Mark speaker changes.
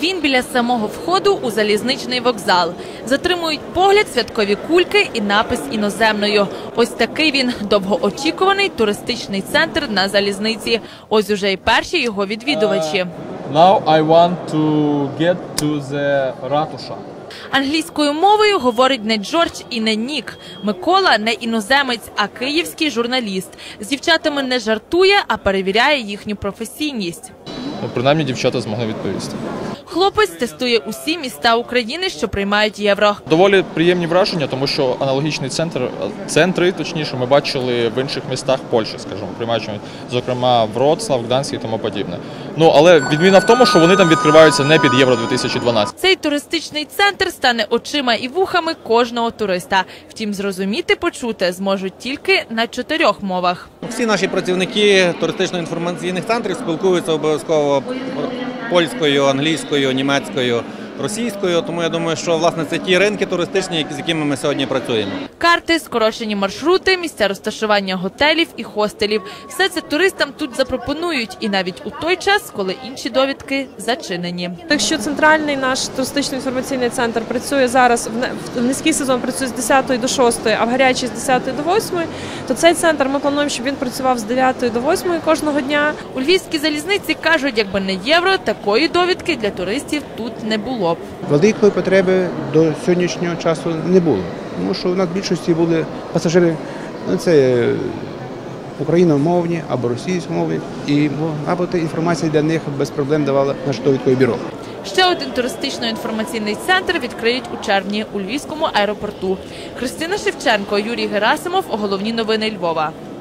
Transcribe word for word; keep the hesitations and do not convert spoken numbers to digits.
Speaker 1: Він біля самого входу у залізничний вокзал. Затримують погляд святкові кульки і напис іноземною. Ось такий він довгоочікуваний туристичний центр на залізниці. Ось уже й перші його відвідувачі.
Speaker 2: Now I want to get to the ратуша.
Speaker 1: Англійською мовою говорить не Джордж і не Нік. Микола не іноземець, а київський журналіст. З дівчатами не жартує, а перевіряє їхню професійність.
Speaker 2: Ну, принаймні дівчата змогли відповісти.
Speaker 1: Хлопець тестує усі міста України, що приймають євро.
Speaker 2: Доволі приємні враження, тому що аналогічний центр, центри, точніше, ми бачили в інших містах Польщі, скажімо, приймаючи, зокрема, Вроцлав, Гданськ і тому подібне. Ну, але відміна в тому, що вони там відкриваються не під Євро дві тисячі дванадцять.
Speaker 1: Цей туристичний центр стане очима і вухами кожного туриста. Втім, зрозуміти, почути зможуть тільки на чотирьох мовах.
Speaker 3: Всі наші працівники туристично-інформаційних центрів спілкуються обов'язково польською, англійською, німецькою, російською. Тому я думаю, що власне це ті ринки туристичні, з якими ми сьогодні працюємо.
Speaker 1: Карти, скорочені маршрути, місця розташування готелів і хостелів. Все це туристам тут запропонують. І навіть у той час, коли інші довідки зачинені.
Speaker 4: Якщо центральний наш туристично-інформаційний центр працює зараз, в низький сезон працює з десятої до шостої, а в гарячий з десятої до восьмої, то цей центр ми плануємо, щоб він працював з дев'ятої до восьмої кожного дня.
Speaker 1: У Львівській залізниці кажуть, якби не євро, такої довідки для туристів тут не було.
Speaker 5: Великої потреби до сьогоднішнього часу не було, тому що в нас в більшості були пасажири, це україномовні або російськомовні, і або та інформація для них без проблем давала наше довідкове бюро.
Speaker 1: Ще один туристично-інформаційний центр відкриють у червні у Львівському аеропорту. Христина Шевченко, Юрій Герасимов. Головні новини Львова.